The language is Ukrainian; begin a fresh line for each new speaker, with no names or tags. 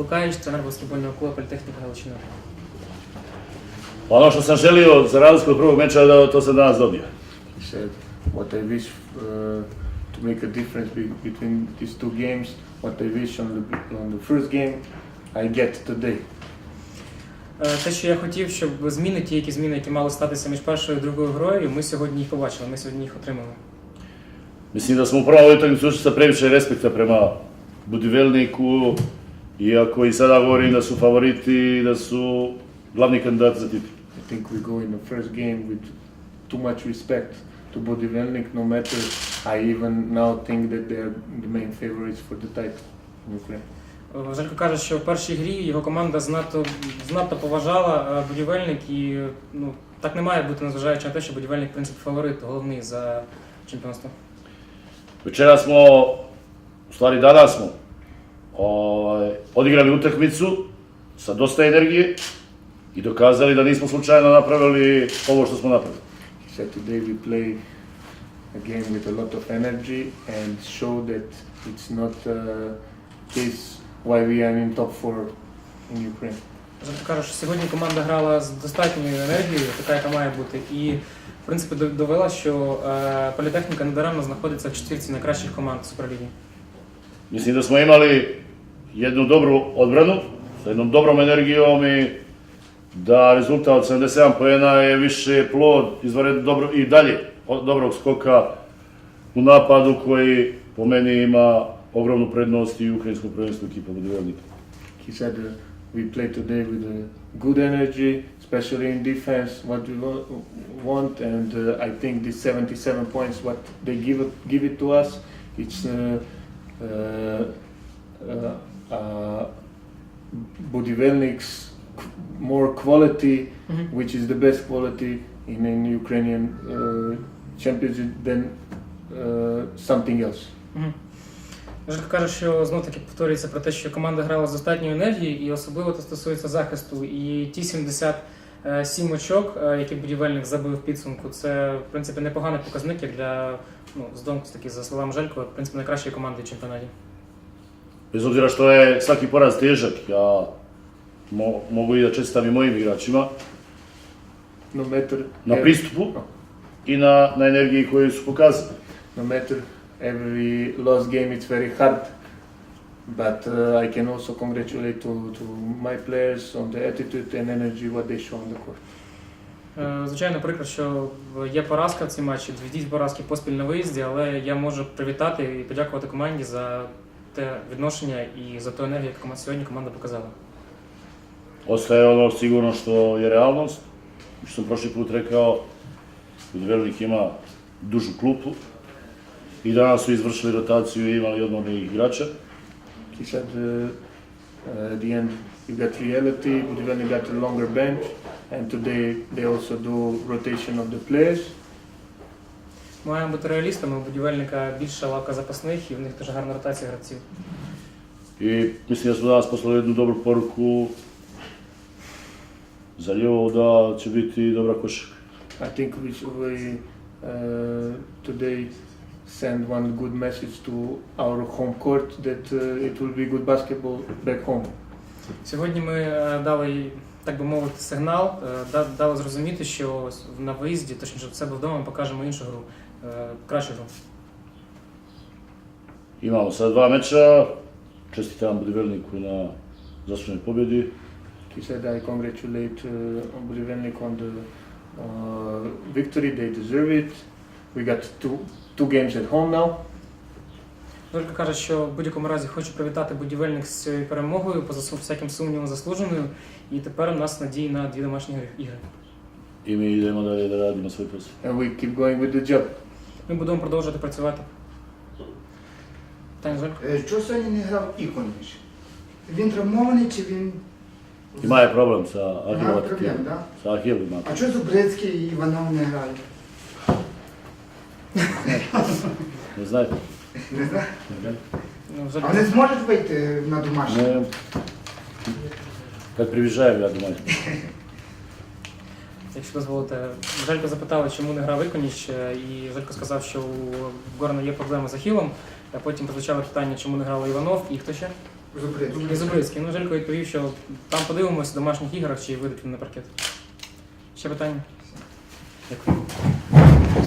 Лукаєвич, тренер баскетбольного клубу Політехніка Галичина.
Ono što sam želio za razliku od prvog meča, da to sam danas dobio.
He said, what I wish to make a difference between these two games, what I wish on the first game, I get today.
Те, що я хотів, щоб зміни, які мали статися між першою і другою грою, ми сьогодні їх побачили, ми сьогодні їх отримали.
Mislim da smo u prvom utakmici ušli sa previše respekta prema Budivelniku, iako i sada govorim da su favoriti, da su glavni kandidati za titul.
I think we go in the first game with too much respect to Budivelnik, no matter I even now think that they are the main favorites for the title in Ukraine.
Желько каже, що в першій грі його команда знато поважала Будівельник і так не має бути, незважаючи на те, що Будівельник, в принципі, фаворит, головний за чемпіонство.
Večera smo, u stvari danas smo, odigrali utakmicu sa dosta energije i dokazali da nismo slučajno napravili ovo što smo napravili.
He said today we play a game with a lot of energy and show that it's not case why we are in top 4 in Ukraine.
Желько каже, що сьогодні команда грала з достатньою енергією, така, яка має бути, і в принципі довела, що Політехніка недаремно знаходиться в четвірці найкращих команд Суперліги.
Mislim da smo imali jednu dobru odbranu, sa jednom dobrom energijom i da rezultat od 77 poena je više plod izvanredno i dalje dobrog skoka u napadu koji po meni ima ogromnu prednost i u ukrajinskom prvenstvu ekipa Budivelnika.
He said we play today with a good energy, especially in defense, what we want, and I think these 77 points, what they give it to us, it's Budivelnik's more quality, which is the best quality in Ukrainian championship than something else.
Желько каже, що знов-таки повторюється про те, що команда грала з достатньою енергією, і особливо це стосується захисту. І ті 77 очок, які Будівельник забив в підсумку, це, в принципі, непоганий показник як для, таки, за словами Желько, в принципі, найкращої команди в чемпіонаті.
Bez obzira što je svaki poraz težak, ja mogu i da čestitam i mojim igračima
No matter
na pristupu i na energiji koju su pokazali.
No matter every lost game, it's very hard, but I can also congratulate to my players on the attitude and energy what they show on the court.
Звичайно, прикро, що є поразка в цій матчі, дві поразки поспіль на виїзді, але я можу привітати і подякувати команді за те відношення і за ту енергію, яку сьогодні команда показала.
Ostaje ono sigurno što je realnost, što sam prošli put rekao, Budivelnik ima dužu klupu i danas su izvršili rotaciju i imali odmornih igrača.
He said at the end you got reality, Budivelnik got a longer bench, and today they also do rotation of the players.
Маємо бути реалістами, у Будівельника більша лавка запасних і в них теж гарна ротація гравців.
I mislim da smo danas poslali jednu dobru poruku za Ljevo da će biti dobra košarka.
I think we today send one good message to our home court that it will be good basketball back home.
Сьогодні ми дали, так би мовити, сигнал, дали зрозуміти, що на виїзді, точніше в себе вдома, ми покажемо іншу гру, кращу гру.
Imamo sad 2 meča, čestitam Budivelniku na zasluženoj pobjedi.
He said I congratulate Budivelnik on the victory, they deserve it. We got two games at home now.
Желько каже, що в будь-якому разі хочу привітати Будівельник з цією перемогою, поза всяким сумнівом заслуженою, і тепер у нас надії на 2 домашні ігри.
I mi idemo dalje da radimo svoj posao.
And we keep going with the job.
Ми будемо продовжувати працювати. Таня, Желько?
Чого сьогодні не грав Іконіч? Він травмований чи він...
Ima je problem sa
Ага,
Ahilom.
проблем, да?
Sa Ahilom ima.
А чого Зубрицький і Іванов не грають?
Ne znate?
Не знаю.
Ну,
А
Желько,
вони зможуть вийти на домашній?
Ne. Kad približajem, ja думаю.
якщо дозволите, Желько запитали, чому не грав Іконіч, і Желько сказав, що у Горна є проблеми з Ахілом, а потім прозвучало питання, чому не грав Іванов і хто ще?
Зубрицький.
І Зубрицький. Ну, Желько відповів, що там подивимося в домашніх іграх, чи вийдуть вони на паркет. Ще питання? Дякую.